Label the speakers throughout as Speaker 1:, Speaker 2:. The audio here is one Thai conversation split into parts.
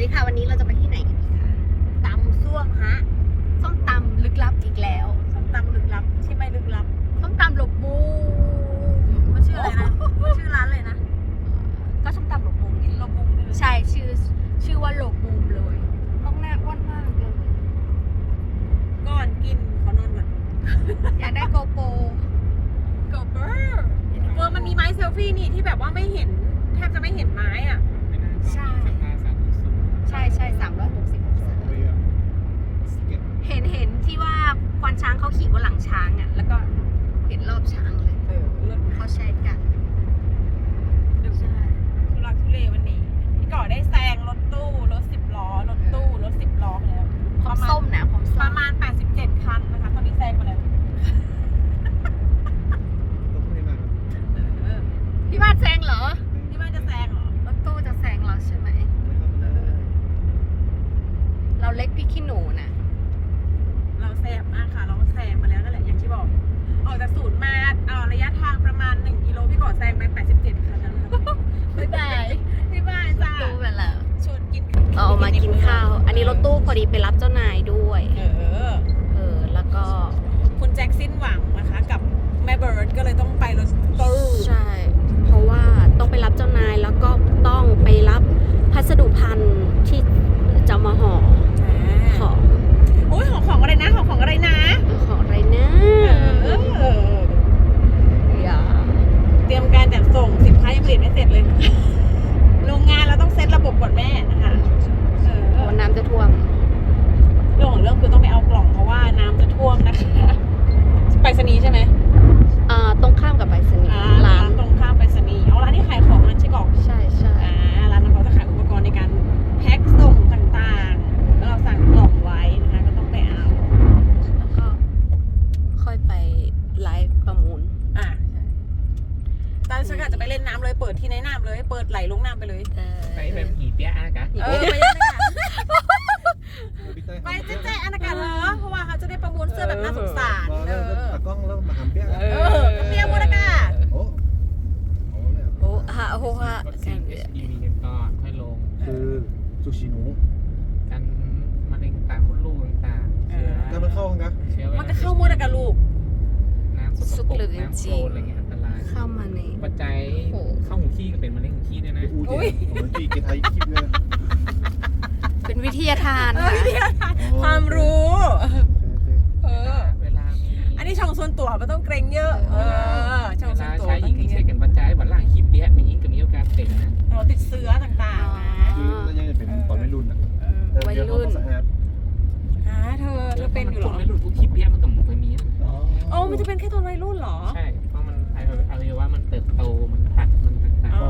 Speaker 1: ดีค่ะวันนี้เราจะไปที่ไหนกันดีคะตำซ่วมฮะส้มตำลึกลับอีกแล้วส้มตำลึกลับที่ไม่ลึกลับส้มตำหลบมุมมันชื่ออะไรนะชื่อร้านเลยนะก็ส้มตำหลบมุมไงหลบมุมใช่ชื่อว่าหลบมุมเลยต้องหน้าอ้วนมากเลยก่อนกินขอนอนก่อนอยากได้โกโปรมันมีไม้เซลฟี่นี่ที่แบบว่าไม่เห็นแทบจะไม่เห็นไม้อ่ะใช่ใช่360 องศาเห็นที่ว่าควานช้างเขาขี่บนหลังช้างอ่ะแล้วก็เห็นรอบช้างเลยเขาใช้กันใช่ทุลักทุเลวันนี้พี่ก่อได้แซงรถตู้รถ10 ล้อรถตู้รถ10 ล้อไปแล้วความส้มนะประมาณ87 คันนะคะตอนนี้แซงมาแล้วพี่บ้านแซงเหรอพี่บ้านจะแซงเหรอรถตู้จะแซงเราใช่ไหมเราเล็กพี่ขี้หนูนะเราแซงมากค่ะเราแซงมาแล้วนั่นแหละอย่างที่บอกออกจากศูนย์มาระยะทางประมาณ1 กิโลพี่ก่อแซงไป87 คันแล้วนะครับบ๊ายบายพี่บ้านจ้าตู้ไปแล้วชวนกินมากินข้าวอันนี้รถตู้พอดีไปรับเจ้านายด้วยแล้วก็คุณแจ็คสิ้นหวังนะคะกับแม่เบิร์ดก็เลยต้องไปรถตู้ใช่เพราะว่าต้องไปรับเจ้านายแล้วก็ต้องไปรับพัสดุภัณฑ์ที่จะมาห่อของโอ้ยของอะไรนะของอะไรนะของอะไรนะอย่าเตรียมการจัดส่งสินค้ายังผลิตไม่เสร็จเลยโรงงานเราต้องเซตระบบก่อนแม่นะคะวันน้ำจะท่วมเรื่องของเรื่องคือต้องไปเอากล่องเพราะว่าน้ำจะท่วมนะคะไปรษณีย์ใช่ไหมตรงข้ามกับไปรษณีย์ร้านตรงข้ามไปรษณีย์ร้านที่ขายของนั่นใช่ก่อนใช่ร้านนั้นเขาจะขายอุปกรณ์ในการแพ็คส่งต่างๆแล้วเราสั่งกล่องไว้นะคะก็ต้องไปเอาแล้วก็ค่อยไปไลฟ์ประมูลใช่ตอนฉันกะจะไปเล่นน้ำเลยเปิดที่ในน้ำเลยเปิดไหลลงน้ำไปเลย
Speaker 2: ไปแบบหีเปี๊ยะกะ
Speaker 1: ไปยังไงไปแจ้งอนาคตเหรอเพราะว่าเขาจะได้ประมูลเสื้อแบบน่าสงสาร
Speaker 3: ตะก้องแล้วมาหามเปี๊ยะ
Speaker 1: เปี๊ยะมูลค่าโอ้ฮะ
Speaker 2: สิ่ง HPV กันก่อนค่อยลง
Speaker 3: คือซูชิหนู
Speaker 2: กันมะเร็งปากมดลูกต่างๆ
Speaker 3: แล้วมันเข้ากัน
Speaker 1: มันก็เข้ามูลกับลูก
Speaker 2: น้ำสกปรกน้ำโคลนอะไรเงี้ยอันตราย
Speaker 1: เข้ามาใน
Speaker 2: ปัจจัยเข้าหูขี้ก็เป็นมะเร็งหูขี้ด้วยนะ
Speaker 3: อุ้ยผมตีกินไทยคลิปเลย
Speaker 1: เป็นวิทยาทานความรู้
Speaker 2: เวลา
Speaker 1: อันนี้ช่องส่วนตัวไม่ต้องเกรงเยอะช่องส่วนตัว
Speaker 2: ใช้ยิงใช้กันปัจจัยบัดล่างขี้เปี๊ยะมียิงก็มีโอกาสเป็นนะ
Speaker 1: ติดเชื้อต่างๆนะ
Speaker 3: คือยังจะเป็นตอนวัยรุ่นอ่ะ
Speaker 1: วัยรุ่นเธอเป็นอยู่หรอ
Speaker 2: วัยรุ่นพวกขี้เปี๊ยะมันก็ไม่มีนะ
Speaker 1: มันจะเป็นแค่ตอนวัยรุ่นหรอ
Speaker 2: ใช่เพราะมันอวัยวะมันเติบโตมันผัดมันต่างๆ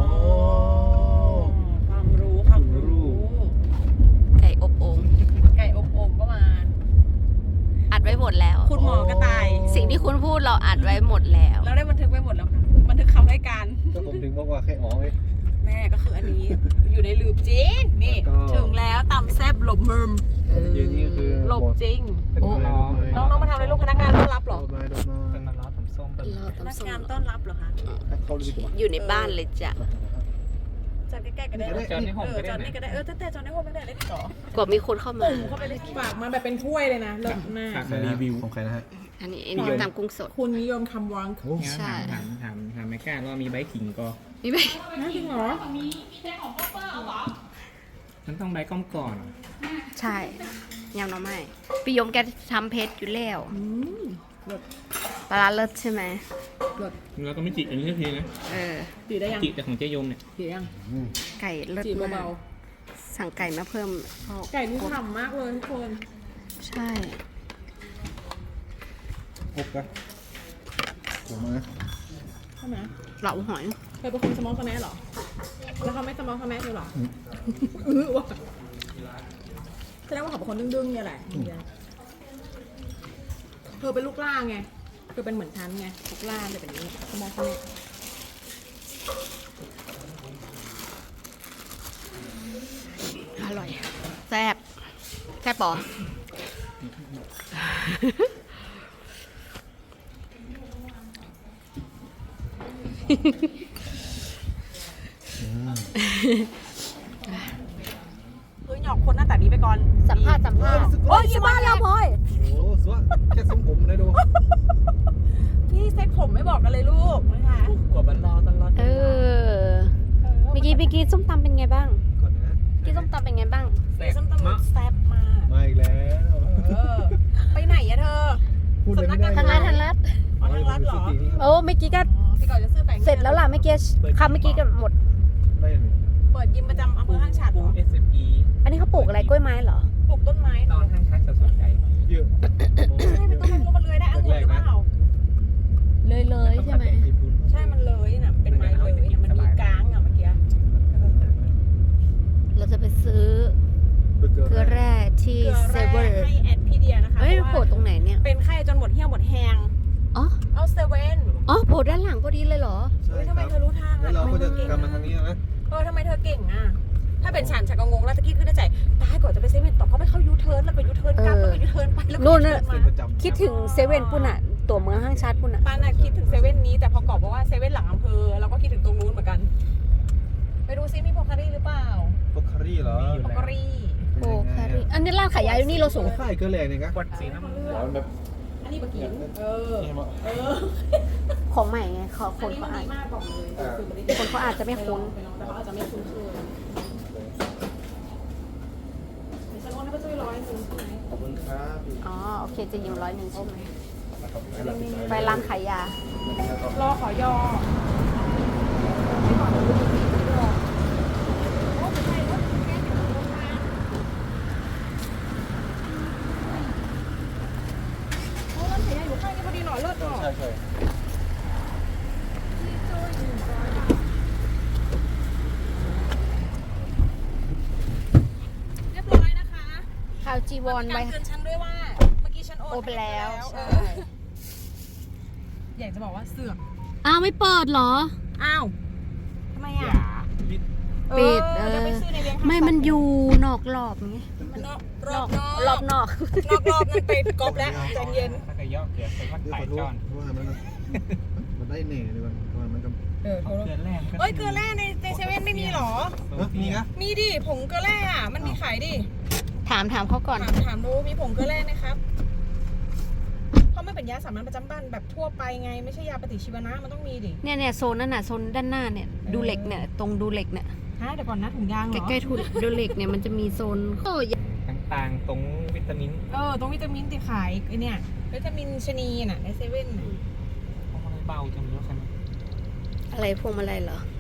Speaker 1: ความรู้ไก่อบโอ่งก็มาอัดไว้หมดแล้วคุณหมอกระต่ายสิ่งที่คุณพูดเราอัดไว้หมดแล้วเราได้บันทึกไว้หมดแล้วค่ะบันทึกคำให้การ
Speaker 3: ก็ผมถึงบอกว่าแค่
Speaker 1: แม่ก็คืออันนี้อยู่ในลืบจริงนี่ถึงแล้วตำแซ่บหลบมุมหลบจริงน้องมาทำอะไรลูกพนักงานต้อนรับหรอ
Speaker 2: เป็นมาล้อทำส้ม
Speaker 1: พนักงานต้อนรับเหรอคะ
Speaker 3: อยู่
Speaker 1: ในบ้านเลยจ้ะจอดใกล้ๆก็ได้
Speaker 2: จอดในห้อง
Speaker 1: จอดนี่ก็ได้แต่จอดในห้องไม่ได้เลยต่อกว่ามีคนเข้ามา
Speaker 4: เข้าไปเลยฝากมาแบบเป็นถ้วยเลยนะเลิศมาก
Speaker 3: รีวิวของใครนะฮะ
Speaker 1: อันนี้ตามกุ้งสด
Speaker 4: คุณนิยมคำวัง
Speaker 2: ใช่ถามไม่กล้าว่ามีใบขิงก็
Speaker 1: มีใบ
Speaker 4: น่าจริงเหรอ
Speaker 2: มีแค่ของพ่อเปิ้ลเหรอมันต้องใบก้อมก่อน
Speaker 1: ใช่ยำน้ำไม้พี่ยมแกทำเพชรอยู่แล้วปลาเลิศใช่ไหม
Speaker 2: แล้วก็ไม่จิกอันนี้ทีนะ
Speaker 4: จิได้ยัง
Speaker 2: จิแต่ของเจยมเนี่ย
Speaker 4: จิยัง
Speaker 1: ไก่เลิศมากสั่งไก่มาเพิ่ม
Speaker 4: ไก่นี่ฉ่ำมากเลยทุกคน
Speaker 1: ใช่
Speaker 3: อบกันหัวมา
Speaker 4: ใช่ไหม
Speaker 1: เหลาหอย
Speaker 4: เคยเป็นคนสมองสแมสหรอแล้วเขาไม่สมองสแมสเลยหรอว่ะแสดงว่าเขาเป็นคนดึงๆเนี่ยแหละเธอเป็นลูกล่าไงเธอเป็นเหมือนฉันไงลูกล่าจะเป็นนี้สมองสแมส
Speaker 1: อร่อยแซ่บปอ
Speaker 4: หยอก
Speaker 1: โอ้ยยี่บ้านเราพลอย
Speaker 3: โอ้สวยแค่ทรงผมได้ดู
Speaker 1: พี่เซ็ตผมไม่บอกกันเลยลูกนะคะ
Speaker 2: กว่าบันรอตลอด
Speaker 5: เออเมื่อกี้ส้มตำเป็นไงบ้าง
Speaker 3: ก่อนนะ
Speaker 5: เมื่อกี้ส้มตำเป็นไงบ้าง
Speaker 2: แซ่
Speaker 1: ส้ม
Speaker 2: บ
Speaker 1: ตำ
Speaker 2: มาก
Speaker 1: แซ่บมาก
Speaker 3: มาอีกแล้ว
Speaker 1: ไปไหนอะเธอ
Speaker 3: พูดเลยไม่ได้
Speaker 5: ทางรัด
Speaker 1: อ๋อทางรัฐเหรอ
Speaker 5: โอ้เมื่อกี้ก็
Speaker 1: พี่ก่อนจะซื้อแบงค์
Speaker 5: เสร็จแล้วล่ะเมื่อกี้คำเมื่อกี้ก็หมด
Speaker 3: ได้หนึ่ง
Speaker 1: เปิดยิมประจำอำเภอห้างฉัดเหร
Speaker 2: ปู
Speaker 1: อ
Speaker 2: SME
Speaker 5: อันนี้เขาปลูกอะไรกล้วยไม้เหรอ
Speaker 1: ปลูกต้นไม้
Speaker 2: ต
Speaker 1: เหร
Speaker 2: อ
Speaker 1: อน
Speaker 2: ห้างชักจะสนใจ
Speaker 3: เยอะ
Speaker 1: ใช่เป็นต้นไม้รู้มันเลื้อยได้องุ่นหรือเปล่า
Speaker 5: เลยใช่ไหม
Speaker 1: ใช่มันเลื้อยน่ะเป็นไม้เลื้อยน่ะมันมีกลางอ่ะเมื่อกี้
Speaker 5: เราจะไปซื้อเกลือแร่ที่
Speaker 1: เกลือ
Speaker 5: เซ
Speaker 1: แร่
Speaker 5: เวอร์
Speaker 1: ให้แอดพี่เดียนะคะ
Speaker 5: เฮ้ย
Speaker 1: เพราะ
Speaker 5: โผล่
Speaker 1: ว่า
Speaker 5: ตรงไหนเนี่ย
Speaker 1: เป็นไข้จนหมดเหี้ยวหมดแหง
Speaker 5: อ๋อ
Speaker 1: เอาเซเว่น
Speaker 5: อ๋อโผล่ด้านหลังพอดีเลยเหรอ
Speaker 3: ใช่
Speaker 1: เฮ้ย
Speaker 3: ค
Speaker 1: ทำไม
Speaker 3: รับ
Speaker 1: เธอรู้ทาง
Speaker 3: แล้วเราก็จะกลับมาทางนี้นะ
Speaker 1: ทำไมเธอเก่งอ่ะถ้าเป็นฉันก็งงแล้วตะกี้ขึ้นในใจตายก่อนจะไปเซเว่นต่อเขาไปเข้ายูเทิร์นแล้วก็ยูเทิร์นกลับแล้วก็ยูเทิร์นไปแล้วก็
Speaker 5: นู่
Speaker 1: ยู
Speaker 5: น
Speaker 1: เทิ
Speaker 5: น่ะ
Speaker 1: ร์น
Speaker 3: เป็น
Speaker 1: มา
Speaker 3: ประจำ
Speaker 5: คิดถึงเซเว่นปุ่นอะตัวเมืองห้างชาติปุ่นอะ
Speaker 1: ป้าน่ะคิดถึงเซเว่นนี้แต่พอกอบบอกว่าเซเว่นหลังอำเภอเราก็คิดถึงตรงนู้นเหมือนกัน ไปดูซิมีโพคารี่หรือเปล่า
Speaker 3: โปคารี่เหรอ
Speaker 1: โพคารี่
Speaker 5: โอ้คาริอันนี้ร้านขายยาอยู่นี่เราสูง
Speaker 3: ค่ายเกลือแรงเนี่ยครับ
Speaker 2: กดสีน้ำเงิน
Speaker 3: ร้อนแบบ
Speaker 1: อันนี้ปะกิน
Speaker 3: นี่มั้ง
Speaker 5: ของใหม่ไงเขาค
Speaker 1: อัน
Speaker 5: น
Speaker 1: นี้
Speaker 5: เขา
Speaker 1: มัน
Speaker 5: อาจ
Speaker 1: ดีมากบอกเลย
Speaker 5: คนเขาอาจจะไม่คุ้น
Speaker 1: แต่เขาอาจจะไม่คุ้นเคยเดี๋ยวฉันโอนให้ป้าจุ้ย100ใช่ไหม
Speaker 3: ขอบคุณครับ
Speaker 5: อ๋อโอเคจะยืม100ใช่ไหมไปร้านขายยา
Speaker 1: รอขอยอโอ้ร้านขายยาอยู่ข้างนี้พอดีหน่อยเลิศหน่อย
Speaker 3: ใช่ใช่
Speaker 1: เรียบร้อยนะคะ
Speaker 5: ข่าวจีวร
Speaker 1: มี
Speaker 5: ไว้
Speaker 1: การเตือนฉันด้วยว่า เมื่อกี้ฉันโอน
Speaker 5: โอนไปแล้ว
Speaker 1: ใช่อยากจะบอกว่าเสือก
Speaker 5: อ้าวไม่เปิดเหรอ
Speaker 1: อ้าวทำไม
Speaker 2: ห
Speaker 1: อ่ะ
Speaker 2: ยา
Speaker 5: ปิด
Speaker 1: เดี๋ยวไปซื้อในเลี้ยง
Speaker 5: ไม่มันอยู่นอกรอบไง
Speaker 1: มันนอกร
Speaker 5: น
Speaker 1: อ
Speaker 5: อบ ก
Speaker 1: นอก
Speaker 5: รอบนอก
Speaker 1: รอบนั่นไปกอบแล้วใจเย็น
Speaker 2: ถ้าก็ย่อเกลือใส่วัด
Speaker 3: เดี๋ยว
Speaker 2: ไต่
Speaker 3: ขอโท
Speaker 2: จ
Speaker 3: ษ
Speaker 2: อน
Speaker 3: เพราะว่ามันได้เน่เลยมันก็
Speaker 1: เออ
Speaker 2: เกลือแร่
Speaker 1: เอ้ยเกลือแร่ในเซเว่นไม่มีหรอ
Speaker 3: มีนะ
Speaker 1: มีดิผงเกลือแร่อะมันมีขายดิ
Speaker 5: ถามเขาก่อน
Speaker 1: ถามดูมีผงเกลือแร่ไหมครับเพราะมันเป็นยาสามัญประจำบ้านแบบทั่วไปไงไม่ใช่ยาปฏิชีวนะมันต้องมีดิ
Speaker 5: เนี่ยโซนนั่นน่ะโซนด้านหน้าเนี่ยดูเหล็กเนี่ยตรงดูเหล็กเนี่ย
Speaker 1: ฮะเดี๋ยวก่อนนะถุงยางเหรอ
Speaker 5: ใกล้ๆทุนดูเหล็กเนี่ยมันจะมีโซนโอ้ย
Speaker 2: ต่างๆตรงวิตามิน
Speaker 1: ตรงวิตามินที่ขายไอเนี่ยวิตามินชะนีน่ะในเซเว่นน่ะ
Speaker 2: เพราะมันเบาจังเลยใช่ไหม
Speaker 5: อะไรพวงมาลัยเหรอ